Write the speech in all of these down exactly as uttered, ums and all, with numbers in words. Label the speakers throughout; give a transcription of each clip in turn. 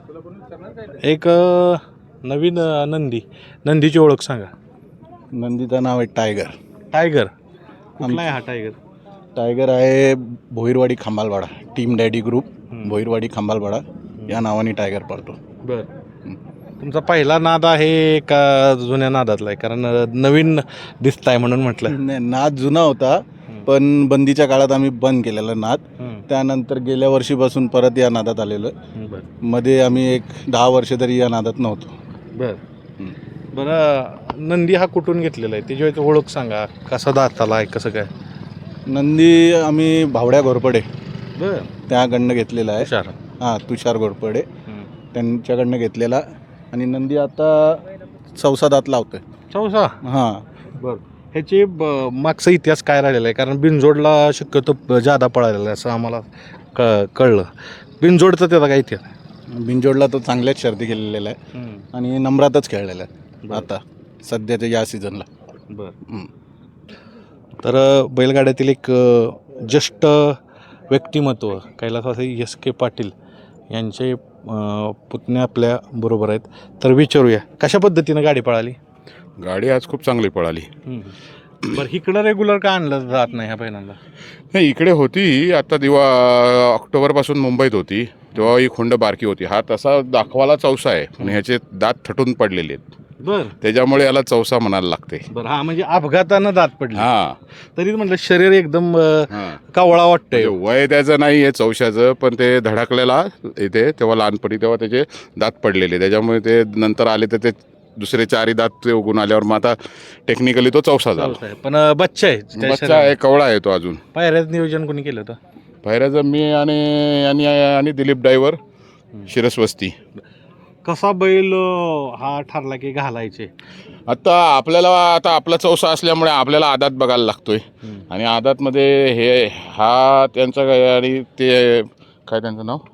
Speaker 1: एक अ, नवीन अ, नंदी नंदीची ओळख सांगा.
Speaker 2: नंदीचं नाव आहे टायगर.
Speaker 1: टायगर कुठला आहे हा टायगर?
Speaker 2: टायगर आहे Bhoirwadi Khambalwada, team daddy group
Speaker 1: हम्म.
Speaker 2: भोईरवाडी खांबालवाडा या नावाने टायगर पळतो.
Speaker 1: बर तुमचा पहिला नाद आहे का जुन्या नादातला आहे? कारण अ, नवीन दिसताय म्हणून म्हटलं.
Speaker 2: नाही, नाद जुना होता, पण बंदीच्या काळात आम्ही बंद केलेला नाद. त्यानंतर गेल्या वर्षीपासून परत या नादात आलेलो.
Speaker 1: बर
Speaker 2: मध्ये आम्ही एक दहा वर्ष तरी या नादात नव्हतो.
Speaker 1: बर बरं नंदी हा कुठून घेतलेला आहे? त्याची ओळख सांगा. कसा दाताला आहे, कसं काय?
Speaker 2: नंदी आम्ही भावड्या घोरपडे
Speaker 1: बर
Speaker 2: त्याकडनं घेतलेला आहे.
Speaker 1: हुशार.
Speaker 2: हां, तुषार घोरपडे त्यांच्याकडनं घेतलेला. आणि नंदी आता चौसा दात लावतोय.
Speaker 1: चौसा.
Speaker 2: हां,
Speaker 1: बर ह्याची ब- मागचा इतिहास काय राहिलेला आहे? कारण बिनजोडला शक्यतो जादा पळालेला आहे असं आम्हाला क कळलं. बिनजोडचा त्याचा काय इतिहास?
Speaker 2: बिनजोडला तो चांगल्याच शर्ती केलेला आहे आणि नम्रातच खेळलेला आहे
Speaker 1: बरं.
Speaker 2: आता सध्याच्या या सीझनला.
Speaker 1: बरं तर अ, बैलगाड्यातील एक अ, ज्येष्ठ व्यक्तिमत्व कैलासवासी एस के पाटील यांचे अ, पुतणे आपल्या बरोबर आहेत. तर विचारूया कशा पद्धतीनं गाडी पळाली?
Speaker 3: गाडी आज खूप चांगली पळाली.
Speaker 1: बरं इकडं रेग्युलर का आणलं जात नाही ह्या बैलांना?
Speaker 3: नाही, इकडे होती आता दिवा ऑक्टोबरपासून मुंबईत होती, तेव्हा ही खुंड बारकी होती. हा तसा दाखवाला चौसा आहे पण ह्याचे दात थटून पडलेले आहेत,
Speaker 1: बरं
Speaker 3: त्याच्यामुळे याला चौसा म्हणायला लागते.
Speaker 1: बरं हा म्हणजे अपघातानं दात पडली.
Speaker 3: हा
Speaker 1: तरी म्हटलं शरीर एकदम अ,
Speaker 3: हा
Speaker 1: कावळा वाटतंय.
Speaker 3: म्हणजे वय त्याचं नाही आहे चौशाचं, पण ते धडकलेला इथे तेव्हा लहानपणी तेव्हा त्याचे दात पडलेले, त्याच्यामुळे ते नंतर आले तर ते दुसरे चारही दात ते उगून आल्यावर मग आता टेक्निकली तो चौसा झाला.
Speaker 1: चौसा आहे. पण अ, बच्चा आहे त्या
Speaker 3: बच्चा
Speaker 1: शरीरात.
Speaker 3: आहे, कवळा आहे तो अजून.
Speaker 1: पायऱ्याचं नियोजन कोणी केलं होतं?
Speaker 3: पायऱ्याचं मी आणि आणि आणि दिलीप ड्रायव्हर शिरसवस्ती.
Speaker 1: कसा बैल अ, हा ठरला की घालायचे?
Speaker 3: आता आपल्याला आता आपला चौसा असल्यामुळे आपल्याला आदात बघायला लागतोय आणि आदातमध्ये हे हा त्यांचा काय आणि ते काय त्यांचं नाव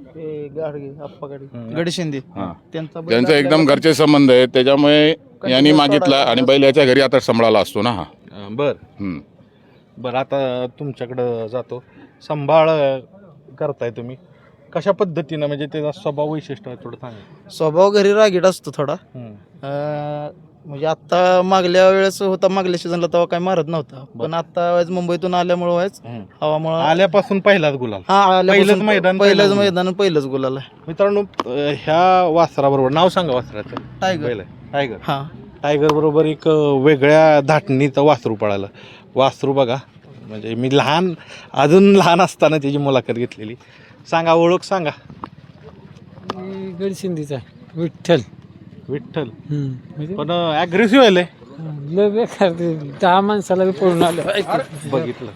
Speaker 2: गडी शिंदे
Speaker 3: हां
Speaker 2: त्यांचा बैल
Speaker 3: त्यांचं एकदम घरचे संबंध आहेत, त्याच्यामुळे यांनी मागितला आणि बैल याच्या घरी आता सांभाळायला असतो ना हा.
Speaker 1: अ, बर
Speaker 3: हम्म.
Speaker 1: बरं आता तुमच्याकडं जातो. सांभाळ अ, करताय तुम्ही कशा पद्धतीनं, म्हणजे त्याचा स्वभाव वैशिष्ट्य आहे थोडं सांगा.
Speaker 4: स्वभाव घरी रागीट असतो थोडा.
Speaker 1: हम्म.
Speaker 4: अं, म्हणजे आता मागल्या वेळेस होता, मागल्या सीझनला तेव्हा काय मारत नव्हता, पण आता वेळेस मुंबईतून आल्यामुळे व्हायच
Speaker 1: हम्म.
Speaker 4: हवामुळे
Speaker 1: आल्यापासून पहिलाच गुलाल.
Speaker 4: हा आल्यापासून
Speaker 1: पहिलंच मैदान,
Speaker 4: पहिलंच
Speaker 1: पहिलाच
Speaker 4: मैदान पहिलंच गुलाल आहे.
Speaker 1: मित्रांनो अ, ह्या वासराबरोबर नाव सांगा वासराचं.
Speaker 4: टायगर.
Speaker 1: बैल आहे टायगर.
Speaker 4: हा
Speaker 1: टायगर बरोबर एक अ, वेगळ्या धाटणीचं वासरू पळालं. वासरू बघा, म्हणजे मी लहान अजून लहान असताना त्याची मुलाखत घेतलेली. सांगा ओळख सांगा.
Speaker 5: गडसिंदीचा विठ्ठल.
Speaker 1: विठ्ठल.
Speaker 5: म्हणजे
Speaker 1: पण ॲग्रेसिव्ह आहे लय.
Speaker 5: लय बेकार ते दहा माणसाला बी पळून आलं.
Speaker 1: बघितलं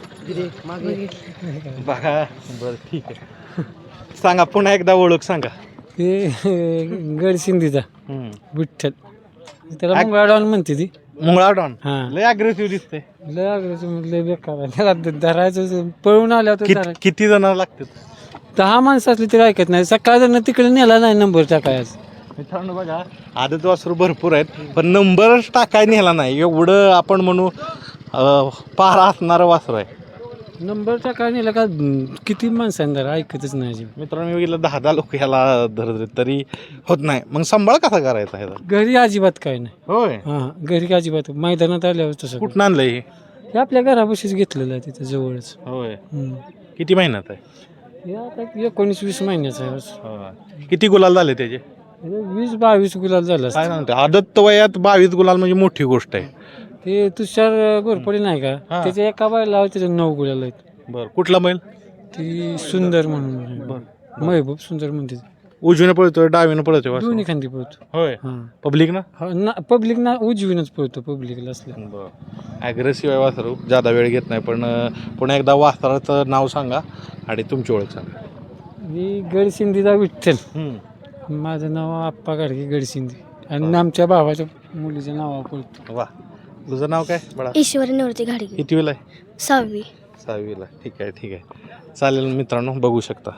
Speaker 1: बघा. बरं ठीक आहे, सांगा पुन्हा एकदा ओळख सांगा.
Speaker 5: ते गडसिंदीचा
Speaker 1: हम्म.
Speaker 5: विठ्ठल, त्याला मंगळाडॉन म्हणते ती.
Speaker 1: मुंगळा डॉन
Speaker 5: हा
Speaker 1: लय ॲग्रेसिव्ह दिसते.
Speaker 5: लय आग्रह लय बेकार आहे. त्याला धरायचं पळून आल्यावर
Speaker 1: कित-
Speaker 5: धरायचं.
Speaker 1: किती जण लागतात?
Speaker 5: दहा माणसं असली तरी ऐकत नाही. सकाळ जण तिकडे नेला नाही नंबर टाकायचा.
Speaker 1: मित्रांनो बघा, आदत वासरू भरपूर आहेत पण नंबरच टाकाय नेला नाही. एवढं आपण म्हणू अं, पारा असणारं वासरू आहे.
Speaker 5: नंबर टाकाय नेला का किती माणसांनी धरा ऐकतच नाही अजिबात.
Speaker 1: मित्रांनो मी गेलं दहा दहा लोक ह्याला धरत तरी होत नाही. मग सांभाळ कसा करायचा ह्याचा?
Speaker 5: घरी अजिबात काय नाही.
Speaker 1: होय.
Speaker 5: हां घरी अजिबात मैदानात आल्यावर तसं
Speaker 1: कुठं आणलंय हे?
Speaker 5: हे आपल्या घरापाशीच घेतलेलं आहे तिथं जवळच.
Speaker 1: होय.
Speaker 5: हम्म.
Speaker 1: किती महिन्यात आहे?
Speaker 5: हे आता एकोणीस वीस महिन्याचं आहे बस.
Speaker 1: होय. किती गुलाल झाले त्याचे?
Speaker 5: हे वीस बावीस गुलाल झालं
Speaker 1: काय
Speaker 5: असतं.
Speaker 1: सांगते, आदत वयात बावीस गुलाल म्हणजे मोठी गोष्ट आहे.
Speaker 5: ते तुषार घोरपडे नाही का,
Speaker 1: हां.
Speaker 5: त्याच्या एका बायला त्याचे नऊ गुलाल आहेत.
Speaker 1: बरं कुठला बैल?
Speaker 5: ती सुंदर म्हणून महबूब सुंदर म्हणते.
Speaker 1: उजवीनं पळतोय डावीनं पळतोय वासरू?
Speaker 5: दोन्ही खांदी पळतो.
Speaker 1: होय.
Speaker 5: हां
Speaker 1: पब्लिक ना?
Speaker 5: हा ना पब्लिक ना उजवीनच पळतो पब्लिकला असल्या.
Speaker 1: ॲग्रेसिव्ह आहे वासरू, जादा वेळ घेत नाही. पण अं, पुन्हा एकदा वासराचं नाव सांगा आणि तुमची ओळख सांगा.
Speaker 5: मी गडसिंदीचा विठ्ठल.
Speaker 1: हम्म.
Speaker 5: माझं नाव आप्पा गाडगे गडसिंदी आणि आमच्या भावाच्या मुलीचं नाव पळतो.
Speaker 1: वा, तुझं नाव काय बडा?
Speaker 6: ईश्वरी निवृत्ती घाडगे.
Speaker 1: कितवीला आहे?
Speaker 6: सहावी.
Speaker 1: सहावीला. ठीक आहे ठीक आहे चालेल. मित्रांनो बघू शकता.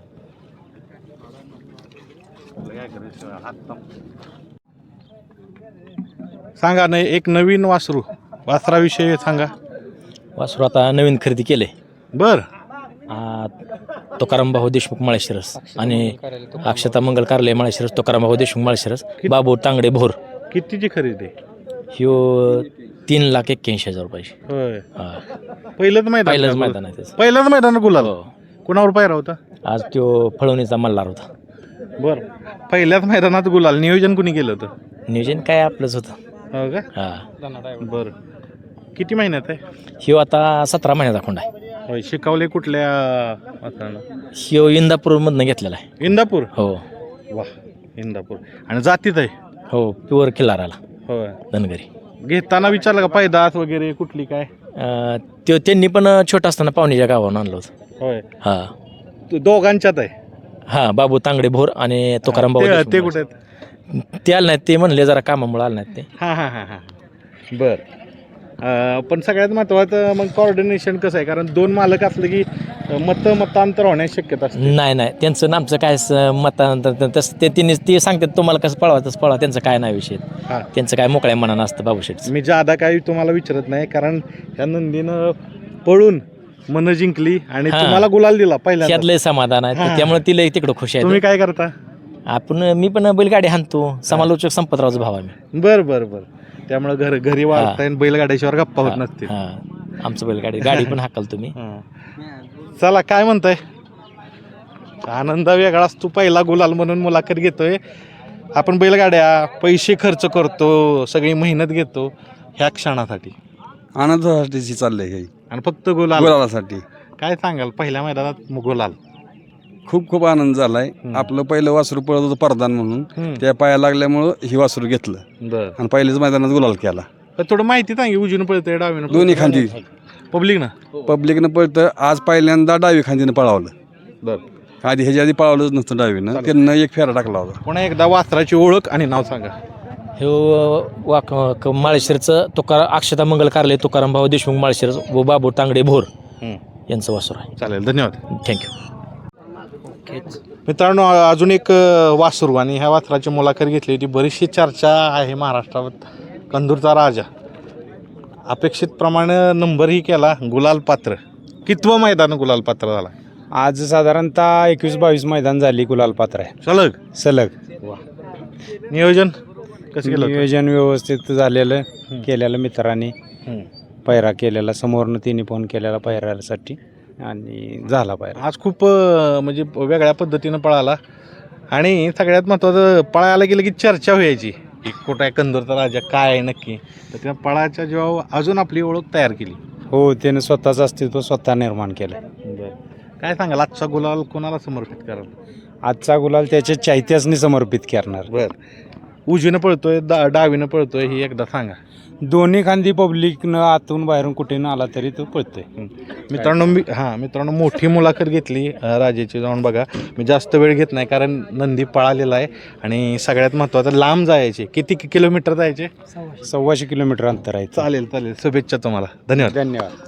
Speaker 1: सांगा नाही एक नवीन वासरू, वासराविषयी सांगा.
Speaker 7: वासरू आता नवीन खरेदी केले.
Speaker 1: बर.
Speaker 6: तुकाराम भाऊ देशमुख माळशिरस आणि अक्षता मंगल कार्यालय माळशिरस, तुकाराम भाऊ देशमुख माळशिरस, बाबू तांगडे भोर.
Speaker 1: कितीची खरेदी?
Speaker 6: ह्यो तीन लाख एक्क्याऐंशी हजार रुपयाची.
Speaker 1: होय,
Speaker 6: हा.
Speaker 1: पहिलंच मैदान
Speaker 6: पहिलंच
Speaker 1: का?
Speaker 6: मैदान आहे त्याचं.
Speaker 1: पहिलंच मैदान गुलाल.
Speaker 6: हो.
Speaker 1: कुणावर पायरा होता?
Speaker 6: आज तो फळवणीचा मल्हार होता.
Speaker 1: बर, पहिल्याच मैदानात गुलाल. नियोजन कुणी केलं होतं?
Speaker 6: नियोजन काय आपलंच होतं.
Speaker 1: हो का?
Speaker 6: हा.
Speaker 1: बर, किती महिन्यात आहे?
Speaker 6: ह्यो आता सतरा महिन्याचा खोंड आहे.
Speaker 1: होय, शिकवले कुठल्या वासरानं?
Speaker 6: ह्यो इंदापूरमधनं घेतलेला आहे.
Speaker 1: इंदापूर.
Speaker 6: हो
Speaker 1: वा, इंदापूर. आणि जातीत आहे?
Speaker 6: हो प्युअर किल्लाराला
Speaker 1: होय.
Speaker 6: धनगरी.
Speaker 1: घेताना विचारलं का पैदास वगैरे कुठली काय?
Speaker 6: अं, त्यो त्यांनी पण छोटा असताना पाहुणीच्या गावावरून आणलं होतं.
Speaker 1: होय,
Speaker 6: हा
Speaker 1: तू दोघांच्यात आहे?
Speaker 6: हा बाबू तांगडे भोर आणि तुकाराम भाऊ
Speaker 1: ते-
Speaker 6: देशमुख
Speaker 1: ते
Speaker 6: माळशिरस.
Speaker 1: कुठे आहेत?
Speaker 6: ते आले नाहीत, ते म्हणले जरा कामामुळे आले नाहीत ते.
Speaker 1: हां हां हां हां बर. अं, पण सगळ्यात महत्त्वाचं मग कॉर्डिनेशन कसं आहे? कारण दोन मालक असले की मत मतांतर होण्याची शक्यता असते.
Speaker 6: नाही नाही त्यांचं आणि आमचं काय स- मतांतर तसं ते तिने ते सांगतात तुम्हाला कसं पळवा तसं पळवा, त्यांचं काय नाही विषय.
Speaker 1: हां,
Speaker 6: त्यांचं काय मोकळ्या मनानं असतं बाबूशेठचं.
Speaker 1: मी जादा काही तुम्हाला विचारत नाही, कारण ह्या नंदीनं पळून मन जिंकली आणि
Speaker 6: हां.
Speaker 1: तुम्हाला गुलाल दिला पहिल्यांदा.
Speaker 6: त्यातलं समाधान आहे
Speaker 1: हां.
Speaker 6: त्यामुळे तिला तिकडं खुश
Speaker 1: तुम्ही
Speaker 6: आहे.
Speaker 1: काय करता?
Speaker 6: आपण मी पण बैलगाडी हाणतो, समालोचक संपतरावचा भाव आहे.
Speaker 1: बर बर बर. त्यामुळे घर घरी वाढताय आणि बैलगाड्याशिवाय गप्पा होत नसतील.
Speaker 6: हा आमचं बैलगाडी गाडी पण हाकल तुम्ही.
Speaker 1: हां. चला, काय म्हणताय? आनंद वेगळाच. तू पहिला गुलाल म्हणून मुलाखत घेतोय. आपण बैलगाड्या पैसे खर्च करतो, सगळी मेहनत घेतो ह्या क्षणासाठी,
Speaker 7: आनंदासाठी चाललंय हे
Speaker 1: आणि फक्त गुलाल.
Speaker 7: गुलालासाठी.
Speaker 1: काय सांगाल पहिल्या मैदानात गुलाल?
Speaker 7: खूप खूप आनंद झालाय.
Speaker 1: हम्म.
Speaker 7: आपलं पहिलं वासरू पळत होतं प्रधान म्हणून,
Speaker 1: हम्म.
Speaker 7: त्या पाया लागल्यामुळं ही वासरू घेतलं
Speaker 1: बर.
Speaker 7: आणि पहिल्याच मैदानात गुलाल केला.
Speaker 1: पण थोडं माहिती सांगे, उजवीनं पळतंय डावीनं
Speaker 7: दोन्ही खांदी
Speaker 1: पब्लिक ना?
Speaker 7: पब्लिकनं पळतं. आज पहिल्यांदा डावी खांदीनं पळावलं.
Speaker 1: बर.
Speaker 7: आधी ह्याच्या आधी पळावलंच नसतं डावीनं. त्यांना एक फेरा टाकला होता.
Speaker 1: पुन्हा एकदा वासराची ओळख आणि नाव सांगा.
Speaker 6: हे वाक क- माळशिरसचं तुकारा अक्षता मंगल कार्यालय, तुकाराम भाऊ देशमुख माळशिरस व बाबू तांगडे भोर
Speaker 1: हम्म.
Speaker 6: यांचं वासर आहे.
Speaker 1: चालेल, धन्यवाद.
Speaker 6: थँक्यू.
Speaker 1: मित्रांनो, अजून एक अ, वासरू, आणि ह्या वासराची मुलाखत घेतली होती. बरीचशी चर्चा आहे महाराष्ट्रात. कंदूरचा राजा अपेक्षित प्रमाणे नंबरही केला, गुलाल पात्र. कितवं मैदान गुलाल पात्र झाला?
Speaker 5: आज साधारणतः एकवीस बावीस मैदान झाली गुलाल पात्र आहे
Speaker 1: सलग.
Speaker 5: सलग.
Speaker 1: नियोजन कसं केलं होतं?
Speaker 5: नियोजन व्यवस्थित झालेलं केलेलं मित्रांनी,
Speaker 1: हम्म.
Speaker 5: पायरा केलेला समोरनं तिने फोन केलेला पायऱ्यासाठी आणि झाला पायरा.
Speaker 1: आज खूप अ, म्हणजे वेगळ्या पद्धतीनं पळाला, आणि सगळ्यात महत्त्वाचं पळायला गेलं की चर्चा व्हायची की कुठं आहे कंदूरचा राजा, काय आहे नक्की. तर त्या पळाच्या जेव्हा अजून आपली ओळख तयार केली.
Speaker 5: हो, त्यानं स्वतःचं अस्तित्व स्वतः निर्माण केलं.
Speaker 1: काय सांगाल, आजचा गुलाल कोणाला समर्पित कराल?
Speaker 5: आजचा गुलाल त्याच्या चाहत्यासनी समर्पित करणार.
Speaker 1: बर. उजवीनं पळतोय, दा डावीनं पळतोय, ही एकदा सांगा.
Speaker 5: दोन्ही खांदी पब्लिकनं आतून बाहेरून कुठेनं आला तरी तो पळतोय.
Speaker 1: मित्रांनो, मी हां मित्रांनो मोठी मुलाखत घेतली अ, राजाची. जाऊन बघा. मी जास्त वेळ घेत नाही, कारण नंदी पळालेला आहे, आणि सगळ्यात महत्त्वाचं लांब जायचे. किती कि- किलोमीटर जायचे?
Speaker 5: सव्वाशे किलोमीटर अंतर आहे.
Speaker 1: चालेल चालेल. शुभेच्छा तुम्हाला. धन्यवाद.
Speaker 5: धन्यवाद.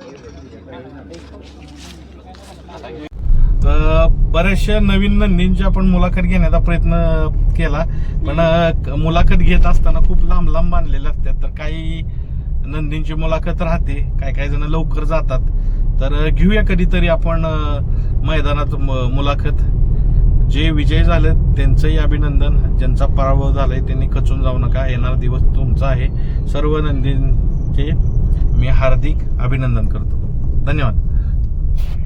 Speaker 1: तर बऱ्याचशा नवीन नंदींची आपण मुलाखत घेण्याचा प्रयत्न केला, पण अ, मुलाखत घेत असताना खूप लांब लांब बांधलेल्या असतात. तर काही नंदींची मुलाखत राहते, काही काही जण लवकर जातात. तर अ, घेऊया कधीतरी आपण अ, मैदानात म- मुलाखत. जे विजय झाले त्यांचंही अभिनंदन, ज्यांचा पराभव झालाय त्यांनी खचून जाऊ नका. येणारा दिवस तुमचा आहे. सर्व नंदींचे मी हार्दिक अभिनंदन करतो. धन्यवाद.